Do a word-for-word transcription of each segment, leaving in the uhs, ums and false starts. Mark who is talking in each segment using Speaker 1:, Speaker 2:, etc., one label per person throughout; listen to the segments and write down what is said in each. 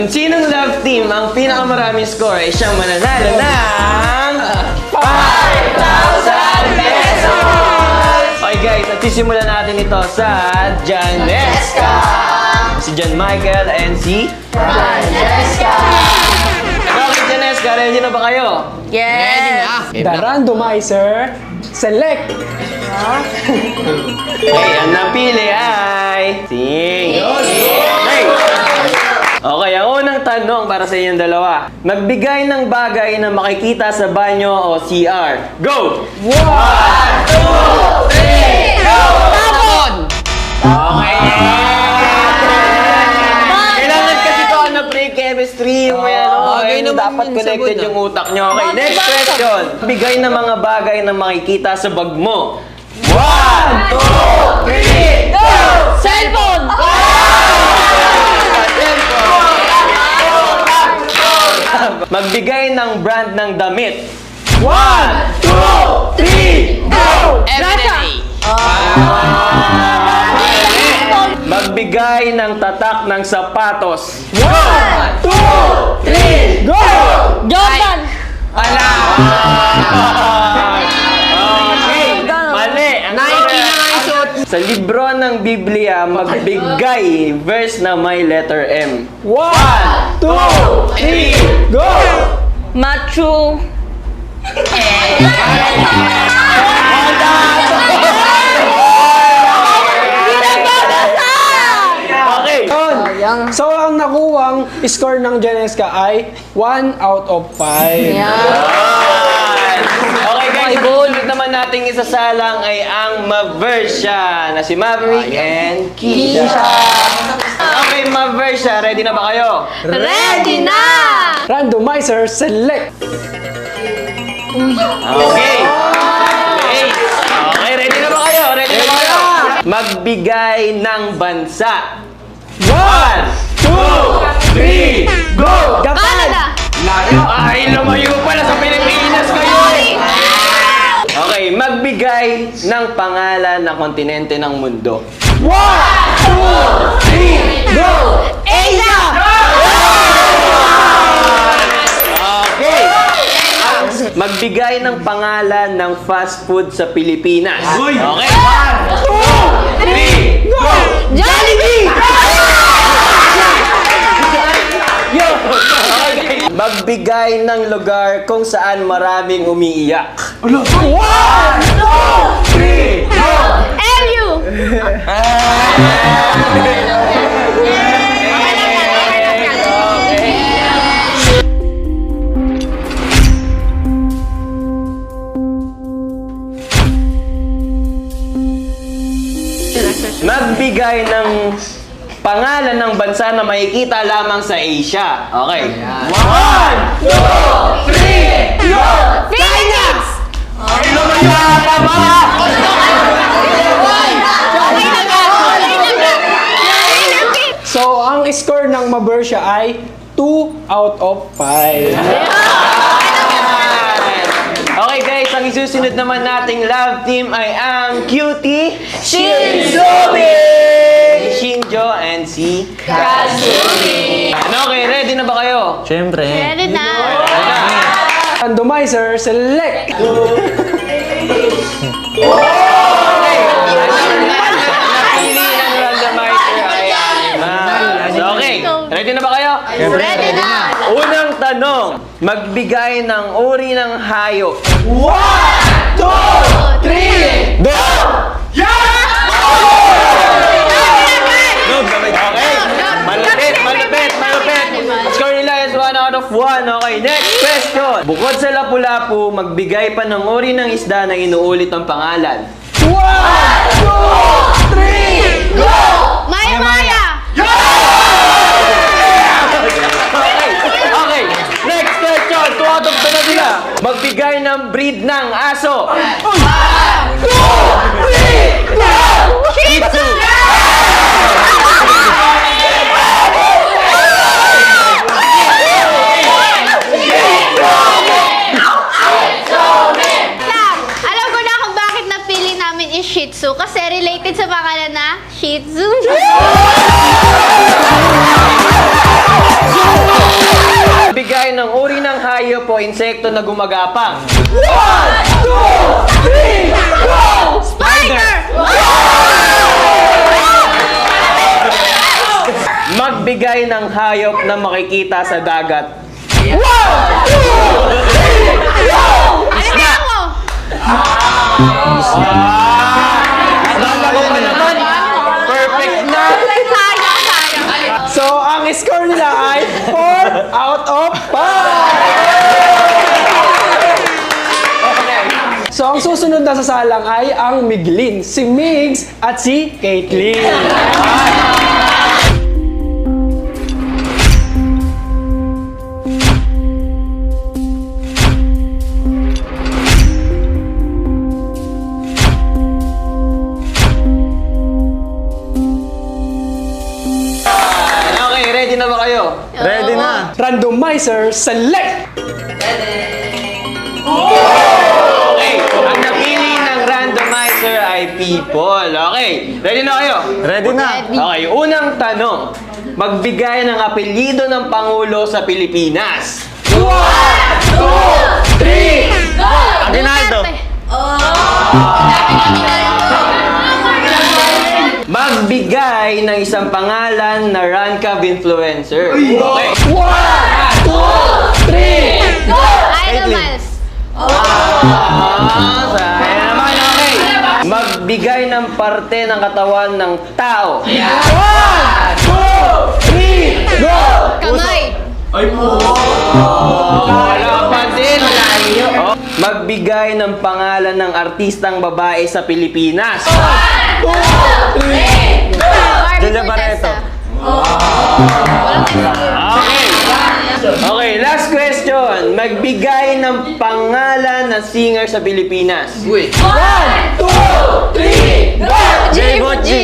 Speaker 1: Sinong love team ang pinakamaraming score ay siyang mananalo ng five thousand pesos! Okay guys, at sisimulan natin ito sa Janesca! Si John Michael and si
Speaker 2: Francesca!
Speaker 1: Okay, Janesca, ready na ba kayo?
Speaker 2: Yes!
Speaker 3: The randomizer select.
Speaker 1: Okay, ang napili ay Sing! Okay! Okay, ang unang tanong para sa inyong dalawa. Magbigay ng bagay na makikita sa banyo o C R. Go! One, two, three, go!
Speaker 2: Tapon!
Speaker 1: Okay! Kailangan kasi ito na pre-chemistry yung may ano.
Speaker 2: bagay
Speaker 1: Okay,
Speaker 2: naman
Speaker 1: dapat
Speaker 2: yun sa
Speaker 1: connected
Speaker 2: buwan,
Speaker 1: yung utak nyo. Okay, next question. Bigay ng mga bagay na makikita sa bag mo. One, two, three, go!
Speaker 2: Cellphone!
Speaker 1: Magbigay ng brand ng damit. One, two, three, go!
Speaker 2: Everyday!
Speaker 1: Magbigay ng tatak ng sapatos.
Speaker 3: One, two, three, go!
Speaker 2: Jordan!
Speaker 1: Ala! Okay, mali. Ang
Speaker 2: Nike na nga yung suot.
Speaker 1: Sa libro ng Biblia, magbigay verse na may letter M.
Speaker 3: One, two, three, go!
Speaker 2: Matthew.
Speaker 1: Okay.
Speaker 3: Yun. So, ang nakuwang score ng Janesca ay one out of five.
Speaker 1: Okay guys, susunod naman nating isasalang ay ang Maversha na si Maverick and Keisha. Okay, Maversha, ready na ba kayo?
Speaker 2: Ready na!
Speaker 3: Randomizer select.
Speaker 1: Okay. Okay. Okay, ready na ba kayo? Ready na ba kayo? Magbigay ng bansa. One, two, three, go!
Speaker 2: Canada!
Speaker 1: Ay, lumayo pala sa Pilipinas kayo! Okay, magbigay ng pangalan ng kontinente ng mundo.
Speaker 3: One, two, three, go!
Speaker 2: Asia!
Speaker 1: Okay! Magbigay ng pangalan ng fast food sa Pilipinas. Okay? One, two, three, go!
Speaker 2: Jollibee!
Speaker 1: Okay. Magbigay ng lugar kung saan maraming umiiyak.
Speaker 3: One, two, three, go!
Speaker 2: M U!
Speaker 1: Magbigay ng pangalan ng bansa na makikita lamang sa Asia. Okay. One, two, three, go!
Speaker 2: Philippines!
Speaker 1: Ay, lumaya ka ba?
Speaker 3: So, ang score ng Maversha ay two out of five.
Speaker 1: Okay guys, ang isusunod naman nating love team ay ang Cutie
Speaker 2: Shinzobi!
Speaker 1: Shinjo and si
Speaker 2: Kazumi!
Speaker 1: Ano, okay, ready na ba kayo?
Speaker 4: Siyempre.
Speaker 2: Ready na!
Speaker 3: Randomizer select.
Speaker 1: Napili ng randomizer ay Alma. So, okay, ready na ba kayo?
Speaker 2: Ready na!
Speaker 1: Unang tanong, magbigay ng uri ng hayop.
Speaker 3: One, two, three,
Speaker 1: Go! Okay, malapit, malapit, malapit. Score nila is one out of one. Okay, next question. Bukod sa lapu-lapu, magbigay pa ng uri ng isda na inuulit ang pangalan.
Speaker 3: one, two, three, go!
Speaker 2: Maya Maya!
Speaker 1: Okay, okay. Next question. Two out of two na sila. Magbigay ng breed ng aso. Shih Tzu.
Speaker 2: Lang, alam ko na kung bakit napili namin is Shih Tzu kasi related sa pangalan na Shih Tzu.
Speaker 1: Magbigay ng uri ng hayop o insekto na gumagapang.
Speaker 3: One, two, three, go!
Speaker 2: Spider!
Speaker 1: Magbigay ng hayop na makikita sa dagat.
Speaker 3: One, two, three, go!
Speaker 2: Ano na ako?
Speaker 1: Akala ko pa naman. Perfect na.
Speaker 2: Sayang, sayang.
Speaker 3: So, ang score nila ay four out of five!
Speaker 1: Okay.
Speaker 3: So, ang susunod na sasalang ay ang Miglin, si Migs at si Caitlyn.
Speaker 1: Okay, ready na ba kayo?
Speaker 2: Ready na.
Speaker 3: Randomizer, select!
Speaker 1: Okay, ang napili ng randomizer ay people. Okay, ready na kayo?
Speaker 4: Ready na.
Speaker 1: Okay, unang tanong. Magbigay ng apelyido ng Pangulo sa Pilipinas.
Speaker 3: Three!
Speaker 4: Aguinaldo.
Speaker 1: Magbigay ng isang pangalan na Rancab influencer. Okay.
Speaker 3: One, two, three!
Speaker 2: Idol Miles.
Speaker 1: Ah, saya naman, okay. Magbigay ng parte ng katawan ng tao.
Speaker 3: One, two, three, go!
Speaker 2: Kamay.
Speaker 1: Wala pa din. Oh. Magbigay ng pangalan ng artistang babae sa Pilipinas.
Speaker 2: Barbie
Speaker 4: Julia Barreto.
Speaker 2: Fortesa.
Speaker 1: Okay. Okay, last question. Magbigay ng pangalan ng singer sa Pilipinas.
Speaker 3: One, two, three, go!
Speaker 2: G.
Speaker 4: Bocci.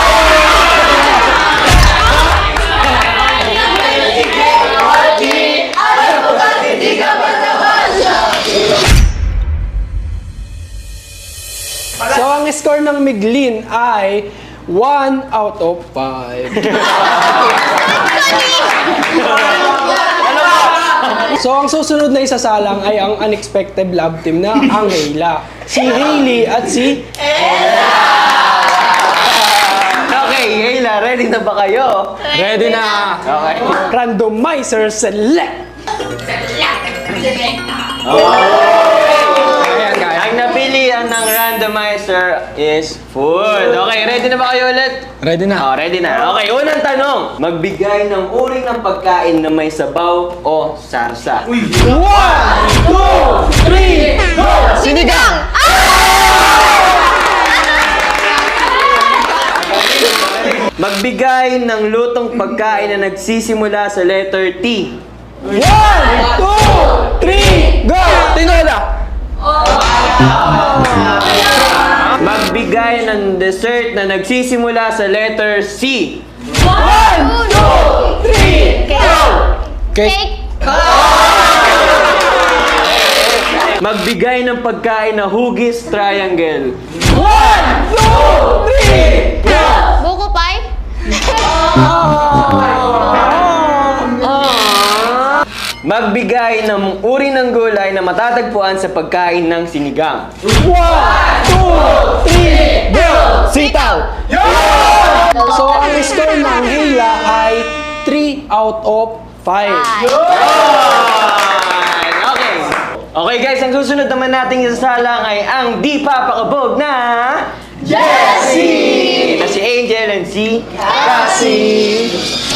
Speaker 3: So, ang score ng Miglin ay one out of five. So, ang susunod na isasalang ay ang unexpected love team na ang Hayla. Si Hailey at si...
Speaker 1: Okay, Hayla, ready na ba kayo?
Speaker 4: Ready na.
Speaker 1: Okay.
Speaker 3: Randomizer select!
Speaker 1: Ayan, guys. Ang napilian ng randomizer is food. Okay, ready na ba kayo ulit?
Speaker 4: Ready na.
Speaker 1: Oh, ready na. Okay, unang tanong. Magbigay ng uri ng pagkain na may sabaw o sarsa.
Speaker 3: One, two, three, go!
Speaker 2: Sinigang.
Speaker 1: Magbigay ng lutong pagkain na nagsisimula sa letter T.
Speaker 3: One, two, three, go! Tinola!
Speaker 1: Magbigay ng dessert na nagsisimula sa letter C.
Speaker 3: One, two, three, go!
Speaker 2: Cake.
Speaker 1: Magbigay ng pagkain na hugis triangle.
Speaker 3: One, two, three, go!
Speaker 2: Buko pie.
Speaker 1: Magbigay ng uri ng gulay na matatagpuan sa pagkain ng sinigang.
Speaker 3: One, two, three, go! Sitaw! So, ang score ng Hila ay three out of five.
Speaker 1: Alright, okay. Okay guys, ang susunod naman nating isasalang ay ang di papakabog na Jessie! Na si Angel and si Cassie.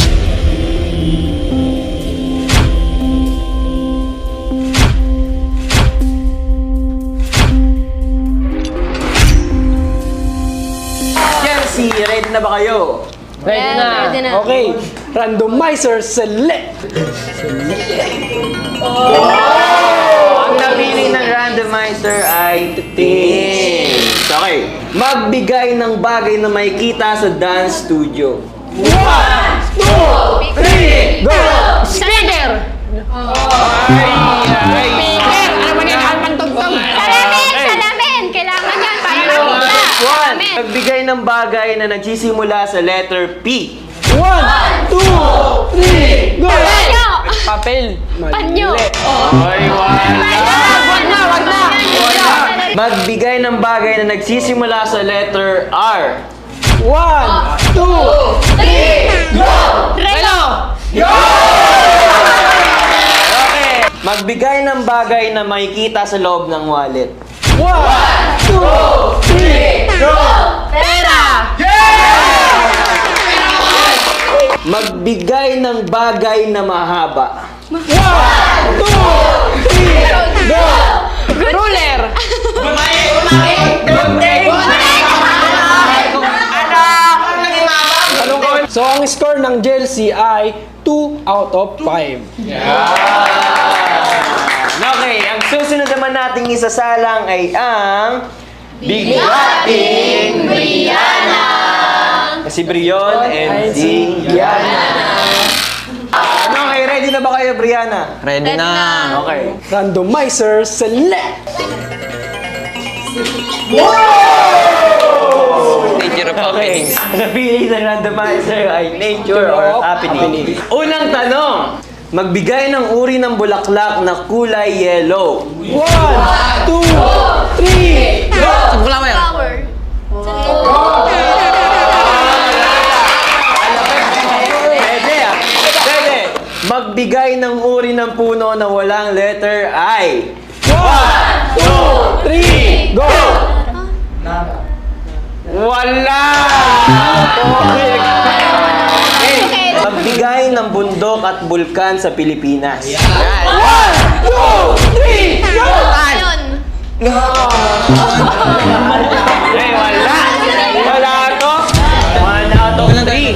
Speaker 1: Jessie, ready na ba kayo?
Speaker 2: Ready na. Ready na.
Speaker 3: Okay, randomizer select!
Speaker 1: Ang napili ng randomizer ay titing. Okay. Magbigay ng bagay na makikita sa dance studio.
Speaker 3: One, two, three, go!
Speaker 2: Speaker.
Speaker 1: Ay, ay.
Speaker 2: Ano ba yan? Alpan tugtog. Salamin! Salamin! Kailangan yan para makita.
Speaker 1: One.
Speaker 2: Salamin.
Speaker 1: Magbigay ng bagay na nagsisimula sa letter P.
Speaker 3: One, two, three, go!
Speaker 2: Banyo!
Speaker 4: Papel.
Speaker 2: Panyo.
Speaker 1: Ay, wala.
Speaker 2: Wag na, wag na.
Speaker 1: Magbigay ng bagay na nagsisimula sa letter R.
Speaker 3: One, two,
Speaker 2: Relo.
Speaker 1: Okay. Magbigay ng bagay na makikita sa loob ng wallet.
Speaker 3: one, two, three,
Speaker 2: Pera.
Speaker 1: Magbigay ng bagay na mahaba.
Speaker 3: one, two, three, go!
Speaker 2: Ruler.
Speaker 3: So, ang score ng Chelsea ay two out of five.
Speaker 1: Okay, ang susunod naman nating isasalang ay ang Bigating Brianna. Si Brion and si Brianna. Ano, okay, ready na ba kayo, Brianna?
Speaker 4: Ready na.
Speaker 1: Okay.
Speaker 3: Randomizer select!
Speaker 4: Nature of
Speaker 1: Okay.
Speaker 4: happenings.
Speaker 1: Napili ng randomizer ay nature or happening. Unang tanong. Magbigay ng uri ng bulaklak na kulay yellow.
Speaker 3: One, two, three, go!
Speaker 4: Wala mo yan.
Speaker 2: Flower.
Speaker 1: Pwede ah. Pwede. Magbigay ng uri ng puno na walang letter I.
Speaker 3: One, two, three, go!
Speaker 1: Wala! Okay. Okay. Magbigay ng bundok at bulkan sa Pilipinas.
Speaker 3: One, two, three, go!
Speaker 2: Ayun.
Speaker 1: Eh, wala! Wala ako! One out of three.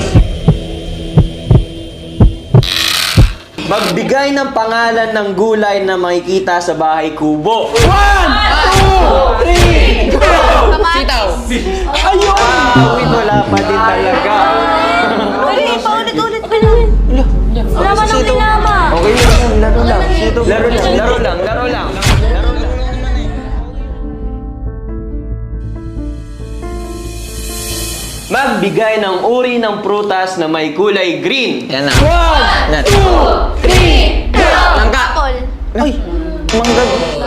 Speaker 1: Magbigay ng pangalan ng gulay na makikita sa bahay kubo.
Speaker 3: One, two, three, go!
Speaker 2: Kamatis.
Speaker 3: Ayun!
Speaker 1: Ah, wait, wala pa din talaga.
Speaker 5: Ay, paulit-ulit pa lang. Wala man ang tinama.
Speaker 1: Okay lang, laro lang. Laro lang, laro lang, laro lang. Laro lang. Magbigay ng uri ng prutas na may kulay green.
Speaker 4: Yan na.
Speaker 3: One,
Speaker 4: Yan.
Speaker 3: two, three, go!
Speaker 4: Langka.
Speaker 2: Apple.
Speaker 1: Ay, mangga.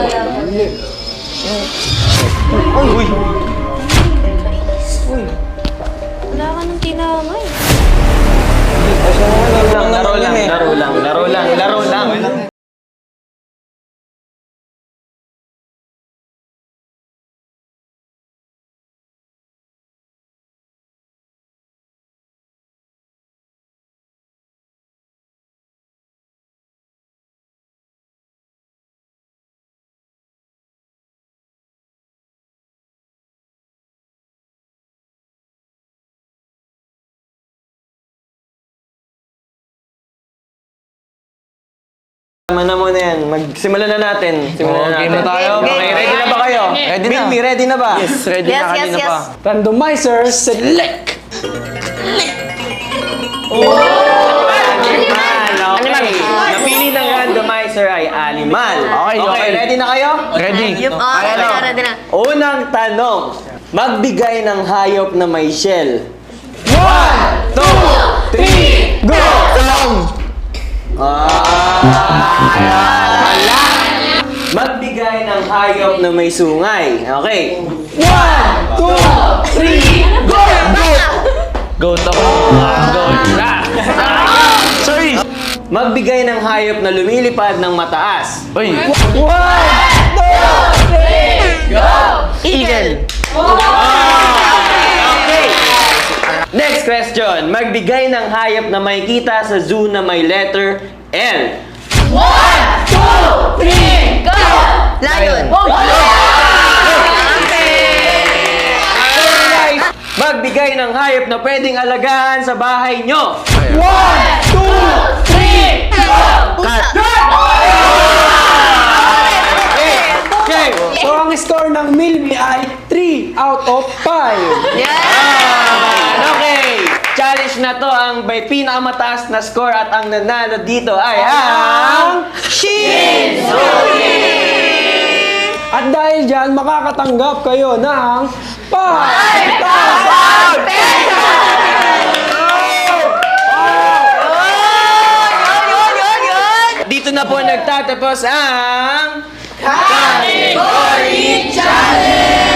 Speaker 1: Ay, uy.
Speaker 5: Wala ka ng tinama eh.
Speaker 1: Laro lang, laro lang, laro lang, laro lang, laro lang. Tama na muna yan. Magsimula na natin. Simulan na
Speaker 4: Okay
Speaker 1: natin.
Speaker 4: na tayo.
Speaker 1: Okay, ready na ba kayo?
Speaker 4: Ready na.
Speaker 1: Bilmy, ready na ba?
Speaker 4: Yes, ready
Speaker 5: Yes,
Speaker 4: na
Speaker 5: yes,
Speaker 4: kanina
Speaker 5: yes.
Speaker 4: pa.
Speaker 3: Randomizer select!
Speaker 1: Animal. Okay. Napili ng randomizer ay animal.
Speaker 4: Okay, okay.
Speaker 1: ready na kayo?
Speaker 4: Ready.
Speaker 5: Yup, oh, ready na, ready na.
Speaker 1: Unang tanong. Magbigay ng hayop na may shell.
Speaker 3: One,
Speaker 1: Two, three,
Speaker 3: go!
Speaker 1: wala. Magbigay ng hayop na may sungay. Okay.
Speaker 3: One, two, three, go!
Speaker 4: Go to. Go na. Sorry.
Speaker 1: Magbigay ng hayop na lumilipad ng mataas.
Speaker 4: Uy.
Speaker 3: One, two, three,
Speaker 4: Eagle.
Speaker 1: Okay. Next question. Magbigay ng hayop na may kita sa zoo na may letter L.
Speaker 3: three, go!
Speaker 5: Lion.
Speaker 1: Magbigay ng hayop na pwedeng alagaan sa bahay nyo.
Speaker 3: One, two, three, go!
Speaker 4: Cut.
Speaker 1: Okay. Okay.
Speaker 3: So, ang score ng Milmi ay three out of five.
Speaker 1: Ah, okay. Challenge na to ang may pinakamataas na score at ang nanalo dito ay ang
Speaker 3: At dahil dyan, makakatanggap kayo ng five thousand pesos!
Speaker 1: dito na po nagtatapos ang... Kategory!